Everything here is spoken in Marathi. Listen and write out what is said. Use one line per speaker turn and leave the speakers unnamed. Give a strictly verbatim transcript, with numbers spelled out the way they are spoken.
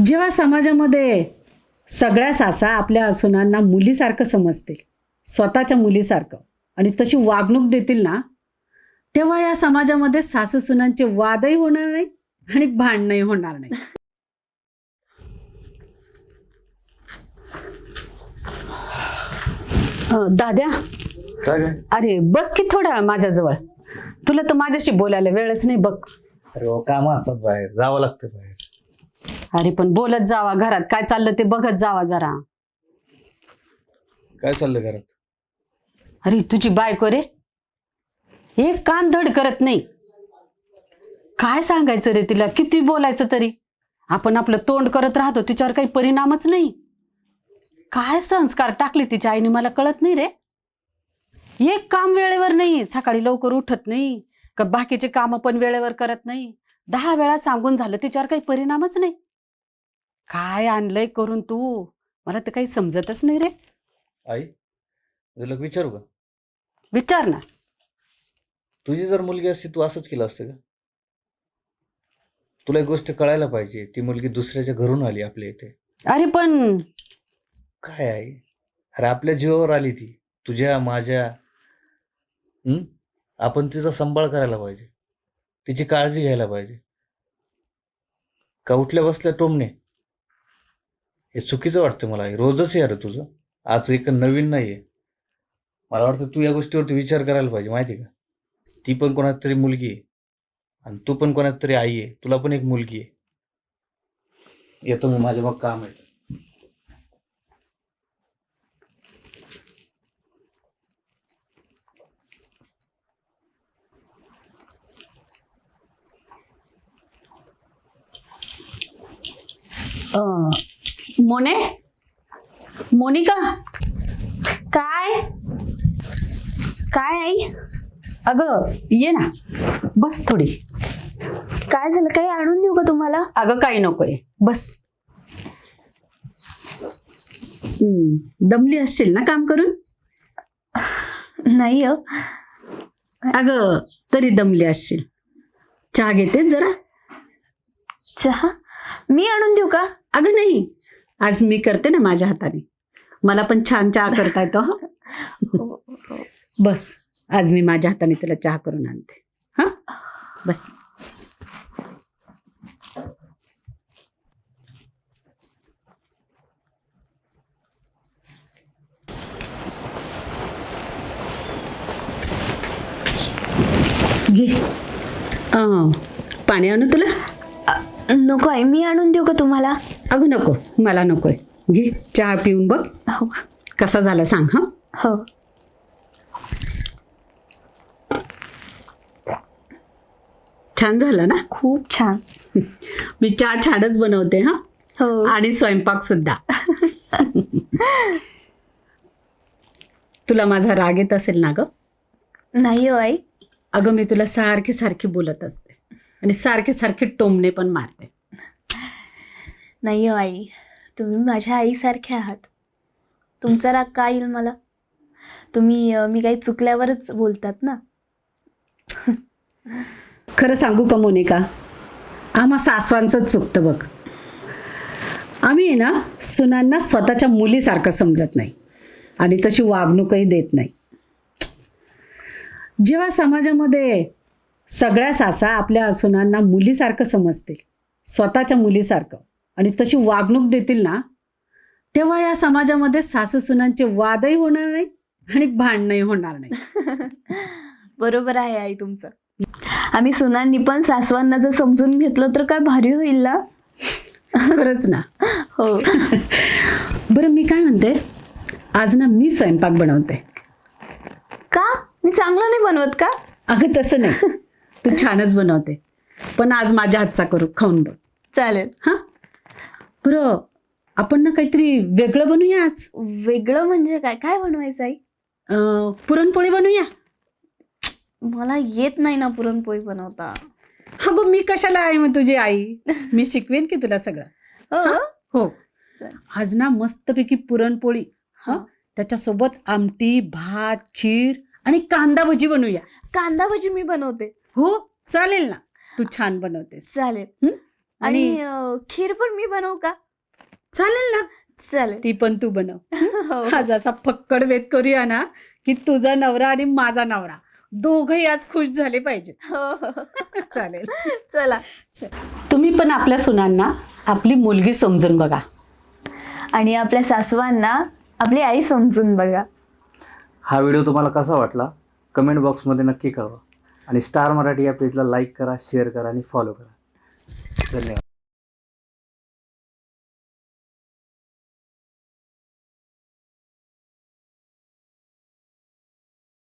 जेव्हा समाजामध्ये सगळ्या सासा आपल्या सुनांना मुलीसारखं समजतील, स्वतःच्या मुलीसारखं, आणि तशी वागणूक देतील ना, तेव्हा या समाजामध्ये सासू सुनांचे वादही होणार नाही आणि भांडणही होणार नाही. अं, दाद्या,
काय काय
अरे बस की थोडा वेळ माझ्याजवळ. तुला तर माझ्याशी बोलायला वेळच नाही बघ.
अरे हो, काम असतात बाहेर, जावं लागतं बाहेर.
अरे पण बोलत जावा, घरात काय चाललं ते बघत जावा जरा.
काय चाललंय घरात?
अरे तुझी बायको रे, एक कान धड करत नाही. काय सांगायचं रे तिला, किती बोलायचं तरी. आपण आपलं तोंड करत राहतो, तिच्यावर काही परिणामच नाही. काय संस्कार टाकले तिच्या आईने मला कळत नाही रे. एक काम वेळेवर नाही, सकाळी लवकर उठत नाही का, बाकीचे काम पण वेळेवर करत नाही. दहा वेळा सांगून झालं, तिच्यावर काही परिणामच नाही. काय आणलंय करून तू, मला तर काही समजतच नाही रे.
आई, तुला विचारू का?
विचार ना.
तुझी जर मुलगी असती तू असंच केलं असतं का? तुला एक गोष्ट कळायला पाहिजे, ती मुलगी दुसऱ्याच्या घरून आली आपल्या इथे.
अरे पण
काय आहे, अरे आपल्या जीवावर आली ती, तुझ्या माझ्या. हम्म आपण तिचा सांभाळ करायला पाहिजे, तिची काळजी घ्यायला पाहिजे. का उठल्या बसल्या टोमणे, हे चुकीचं वाटतं मला. हे रोजच आहे अरे तुझं, आज एक नवीन नाहीये. मला वाटतं तू या गोष्टीवरती विचार करायला पाहिजे, माहिती का? ती पण कोणाची तरी मुलगी आहे आणि तू पण कोणाची तरी आई आहे, तुला पण एक मुलगी आहे. येतो मी, माझ्या मग काम आहे.
अं, मोने, मोनिका,
काय काय आई?
अगं ये ना, बस थोडी.
काय झालं? काही आणून देऊ का तुम्हाला?
अगं काही नकोय, बस. हम्म, दमली असशील ना काम करून?
नाही हो.
अगं तरी दमली असशील, चहा घेते जरा.
चहा मी आणून देऊ का?
अगं नाही, आज मी करते ना माझ्या हाताने, मला पण छान चहा करता येतो. हा बस, आज मी माझ्या हाताने तुला चहा करून आणते. हा बस. घे. अं, पाणी आणू तुला?
नको आई, मी आणून देऊ का तुम्हाला?
अगं नको, मला नकोय. घे चहा पिऊन बघ
हो
कसा झाला सांग. हा
हो.
छान झाला ना?
खूप छान.
मी चहा छानच बनवते. हा
हो.
आणि स्वयंपाक सुद्धा. तुला माझा राग येत असेल ना ग?
नाही हो आई.
अगं मी तुला सारखी सारखी बोलत असते आणि सारखे सारखे टोमणे पण मारते.
नाही हो आई, तुम्ही माझ्या आईसारखे आहात. तुमचा राग का येईल मला? तुम्ही अं, मी काही चुकल्यावरच बोलतात ना.
खरं सांगू का मोनिका, आम्हा सासवांचंच चुकतं बघ. आम्ही आहे ना सुनांना स्वतःच्या मुलीसारखं समजत नाही आणि तशी वागणूकही देत नाही. जेव्हा समाजामध्ये सगळ्या सासा आपल्या सुनांना मुलीसारखं समजतील, स्वतःच्या मुलीसारखं, आणि तशी वागणूक देतील ना, तेव्हा या समाजामध्ये सासू सुनांचे वादही होणार नाही आणि भांडणही होणार नाही.
बरोबर आहे आई तुमचं. आम्ही सुनांनी पण सासवांना जर समजून घेतलं तर काय भारी होईल ना.
खरंच ना.
हो.
बरं मी काय म्हणते, आज ना मी स्वयंपाक बनवते.
का? मी चांगलं नाही बनवत का?
अगं तसं नाही, तू छानच बनवते, पण आज माझ्या हातचा करू, खाऊन बघ.
चालेल.
हां बरं, आपण ना काहीतरी वेगळं बनवूया आज.
वेगळं म्हणजे काय? काय बनवायचं आई?
अं, पुरणपोळी बनवूया.
मला येत नाही ना पुरणपोळी बनवता.
अगं मी कशाला आहे मग तुझी आई, मी शिकवेन की तुला सगळं.
हो.
हो,
चालेल.
आज ना मस्तपैकी पुरणपोळी,
हा.
हां त्याच्यासोबत आमटी, भात, खीर आणि कांदा भजी बनवूया.
कांदा भजी मी बनवते.
हो चालेल ना, तू छान बनवतेस.
चालेल.
हं?
आणि
आणि
अं, खीर पण मी बनवू का?
चालेल ना,
चालेल.
ती पण तू बनव.
हो,
आज असा फक्कड वेध करूया ना की तुझा नवरा आणि माझा नवरा दोघही आज खुश झाले पाहिजेत.
हो, हो.
चालेल.
चला.
तुम्ही पण आपल्या सुनांना आपली मुलगी समजून बघा.
आणि आपल्या सासवांना आपली आई समजून बघा.
हा व्हिडिओ तुम्हाला कसा वाटला कमेंट बॉक्समध्ये नक्की कळवा आणि स्टार मराठी या पेजला लाईक करा, शेअर करा आणि फॉलो करा. धन्यवाद.